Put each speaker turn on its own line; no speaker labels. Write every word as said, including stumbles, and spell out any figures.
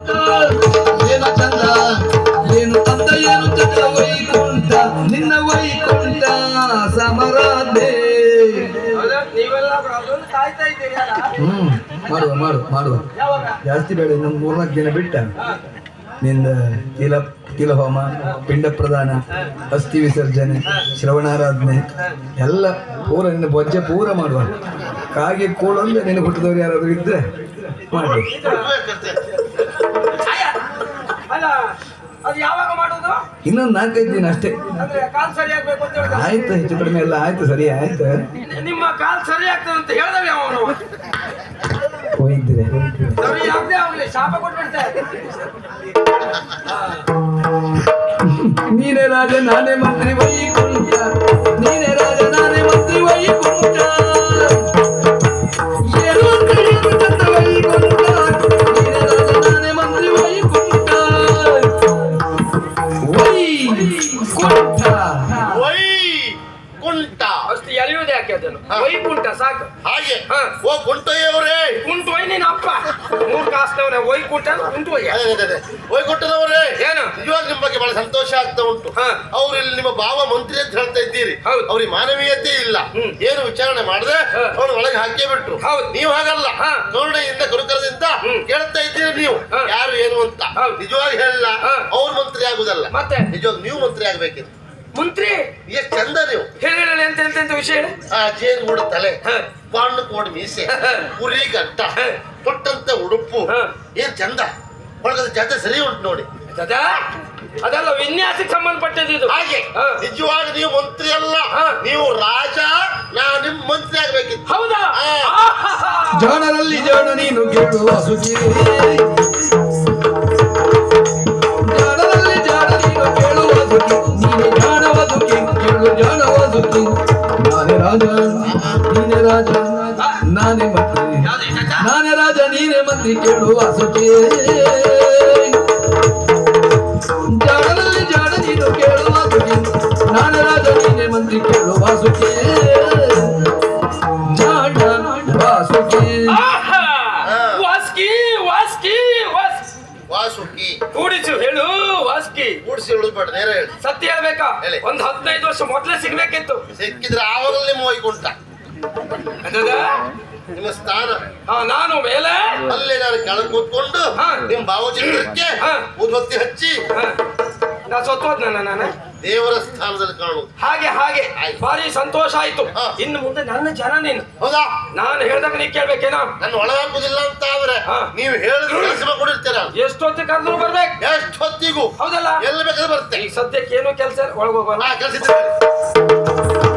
ಏನು ಚಂದ ಏನು ತಂದ ಏನು ಚಂದ ವೈಕುಂಠ ನಿನ್ನ ವೈಕುಂಠ ಸಮರಾಧೆ. ಹ್ಮ್ ಮಾಡುವ ಮಾಡುವ ಮಾಡುವ ಜಾಸ್ತಿ ಬೇಡ. ಇನ್ನೊಂದು ಮೂರ್ನಾಲ್ಕು ದಿನ ಬಿಟ್ಟ ನಿಂದ ತಿಲ ತಿಲ ಹೋಮ, ಪಿಂಡ ಪ್ರದಾನ, ಅಸ್ಥಿ ವಿಸರ್ಜನೆ, ಶ್ರವಣಾರಾಧನೆ ಎಲ್ಲ ಪೂರ ನಿನ್ನ ಬೊಜ್ಜೆ ಪೂರ ಮಾಡುವ. ಕಾಗೆ ಕೂಡೊಂದು ನಿನ್ನ ಹುಟ್ಟಿದವ್ರು ಯಾರಾದ್ರೂ ಇದ್ರೆ ಮಾಡಿ. ಇನ್ನೊಂದು ನಾಲ್ಕೈದು ದಿನ ಅಷ್ಟೇ ಆಯ್ತು. ಹೆಚ್ಚು ಕಡಿಮೆ ಎಲ್ಲ ಆಯ್ತು, ಸರಿ ಆಯ್ತು.
ನಿಮ್ಮ ಕಾಲ್ ಸರಿ ಆಗ್ತದೆ ಅಂತ ಹೇಳಿದವೆ ಅವನು
ಹೋಗಿದ್ದೀರಿ
ಸರಿ ಆಗದೆ ಅವನಿಗೆ ಶಾಪ ಕೊಟ್ಬಿಡ್ತಾರೆ.
ನೀನೇ ರಾಜ ನಾನೇ ಮಂತ್ರಿ ವೈಕುಂಠ, ನೀನೇ ರಾಜ ನಾನೇ ಮಂತ್ರಿ ವೈಕುಂಠ, ಏನು ಅಂತ ಏನು ಚಂದ ವೈಕುಂಠ, ನೀನೇ ರಾಜ ನಾನೇ ಮಂತ್ರಿ ವೈಕುಂಠ ವೈಕುಂಠ
ವೈಕುಂಠ
ಅಷ್ಟು ಎಳೆಯುವುದೇ ಯಾಕೆ ಅದನ್ನು ವೈಕುಂಠ ಸಾಕು.
ಹಾಗೆ ಓ ಕುಂಟಯ್ಯವರೇ,
ಕುಂಟು ವೈ ನೀನು ಅಪ್ಪ ಮೂರು ಕಾಸ್ತವನ ವೈಕುಂಠ ಕುಂಟು ವೈ
ವೈಕುಂಠದವರೇ
ಏನು
ನಿಜವಾಗ ನಿಮ್ಮ ಬಗ್ಗೆ ಬಹಳ ಸಂತೋಷ ಆಗ್ತಾ ಉಂಟು. ಅವ್ರು ಇಲ್ಲಿ ನಿಮ್ಮ ಭಾವ ಮಂತ್ರಿ ಅಂತ ಹೇಳ್ತಾ ಇದ್ದೀರಿ, ಅವ್ರಿಗೆ ಮಾನವೀಯತೆ ಇಲ್ಲ, ಏನು ವಿಚಾರಣೆ ಮಾಡದೆ ಅವ್ರ ಒಳಗೆ ಹಾಕೇ ಬಿಟ್ರು. ನೀವು ಹಾಗಲ್ಲ, ಕರುಣೆಯಿಂದ ಗುರುಕರದಿಂದ ಕೇಳ್ತಾ ಇದ್ದೀರಿ ನೀವು ಯಾರು ಏನು ಅಂತ. ನಿಜವಾಗಿ ಹೇಳಲ್ಲ ಅವ್ರ ಮಂತ್ರಿ ಆಗುದಲ್ಲ, ಮತ್ತೆ ನಿಜವಾಗ ನೀವು ಮಂತ್ರಿ ಆಗ್ಬೇಕಿತ್ತು.
ಮಂತ್ರಿ
ಎಷ್ಟು ಚಂದ ನೀವು
ಹೇಳಿ ಹೇಳಿ ಎಂತ ಎಂತ ಎಂತ ವಿಷಯ ಹೇಳಿ.
ಆ ಜೇನು ಕೂಡ ತಲೆ, ಬಾಣ್ಣು ಕೋಡ್ ಮೀಸೆ, ಕುರಿ ಗಟ್ಟ, ಕೊಟ್ಟಂತ ಉಡುಪು ಏನ್ ಚಂದ. ಒಳಗದ ಜಾತ್ರೆ ಸರಿ ಉಂಟು ನೋಡಿ.
ಅದೆಲ್ಲ ವಿನ್ಯಾಸಕ್ಕೆ ಸಂಬಂಧಪಟ್ಟದ್ದು ಇದು.
ಹಾಗೆ ನಿಜವಾಗಿ ನೀವು ಮಂತ್ರಿ ಅಲ್ಲ, ನೀವು ರಾಜ, ನಾ ನಿಮ್ ಮಂತ್ರಿ ಆಗ್ಬೇಕಿತ್ತು.
ಹೌದಾ?
ಜಾಣರಲ್ಲಿ ಜಾಣ ನೀನು ಕೇಳುವ ಸುಖಿ, ಜಾಣರಲ್ಲಿ ಜಾಣ ನೀನು ಕೇಳುವ ಸುಖಿ, ನೀನು ಜಾಣವ ಸುಖಿ ಕೇಳು ಜಾಣವ ಸುಖಿ. ನಾನೇ ರಾಜ ನೀನೇ ರಾಜ ನಾನೇ ಮಂತ್ರಿ, ನಾನೇ ರಾಜ ನೀನೇ ಮಂತ್ರಿ ಕೇಳುವ ಸುಖಿ. ಜಾಣದಲ್ಲಿ ಜಾಣ ನೀನು ಕೇಳುವ ಸುಖಿ, ನಾನೇ ರಾಜ ನೀನೇ ಮಂತ್ರಿ ಕೇಳುವ ಸುಖಿ. ಜಾಣ ವಾಸುಕಿ
ವಾಸ್ಕಿ ವಾಸ್ಕಿ
ವಾಸುಕಿ
ಕೂಡಿಸು ಹೇಳು. ವಾಸ್ಕಿ
ಕೂಡಿಸಿ ಹೇಳುದು ಬೇಡ, ನೇರ ಹೇಳಿ.
ಸತ್ಯ ಹೇಳ್ಬೇಕಾ?
ಹೇಳಿ.
ಒಂದ್ ಹದಿನೈದು ವರ್ಷ ಮೊದ್ಲೇ ಸಿಗ್ಬೇಕಿತ್ತು.
ಸಿಕ್ಕಿದ್ರೆ ಆವಾಗಲೇ ನಿಮ್ಮ ವೈಕುಂಠ ನಿಮ್ಮ ಸ್ಥಾನ.
ನಾನು ಮೇಲೆ
ಅಲ್ಲೇ ನಾನು ಕೆಳಗೆ ಕೂತ್ಕೊಂಡು ನಿಮ್ ಭಾವಚಿತ್ರಕ್ಕೆ ಉದ್ಬತ್ತಿ ಹಚ್ಚಿ
ನಾ ಸತ್ತೋದ್ ನನ್ನ ನಾನು
ದೇವರ ಸ್ಥಾನದಲ್ಲಿ ಕಾಣುವುದು.
ಹಾಗೆ ಹಾಗೆ ಭಾರಿ ಸಂತೋಷ ಆಯ್ತು. ಇನ್ನು ಮುಂದೆ ನನ್ನ ಜನ ನೀನು.
ಹೌದಾ?
ನಾನು ಹೇಳ್ದಾಗ ನೀ ಕೇಳ್ಬೇಕೇನೋ.
ನನ್ನ ಒಳಗಾಗುದಿಲ್ಲ ಅಂತ ಆದ್ರೆ ನೀವು ಹೇಳಿದ್ರೆ ಕೆಲಸ ಕೊಡಿರ್ತೀರ.
ಎಷ್ಟೊತ್ತಿಗೆ ಕರೆದ್ರು ಬರ್ಬೇಕು,
ಎಷ್ಟೊತ್ತಿಗೂ.
ಹೌದಲ್ಲ?
ಎಲ್ಲಿ ಬೇಕಾದ್ರೆ ಬರುತ್ತೆ.
ಈ ಸದ್ಯಕ್ಕೆ ಏನು ಕೆಲಸ ಒಳಗೋಗಲ್ಲ.
ಕೆಲಸ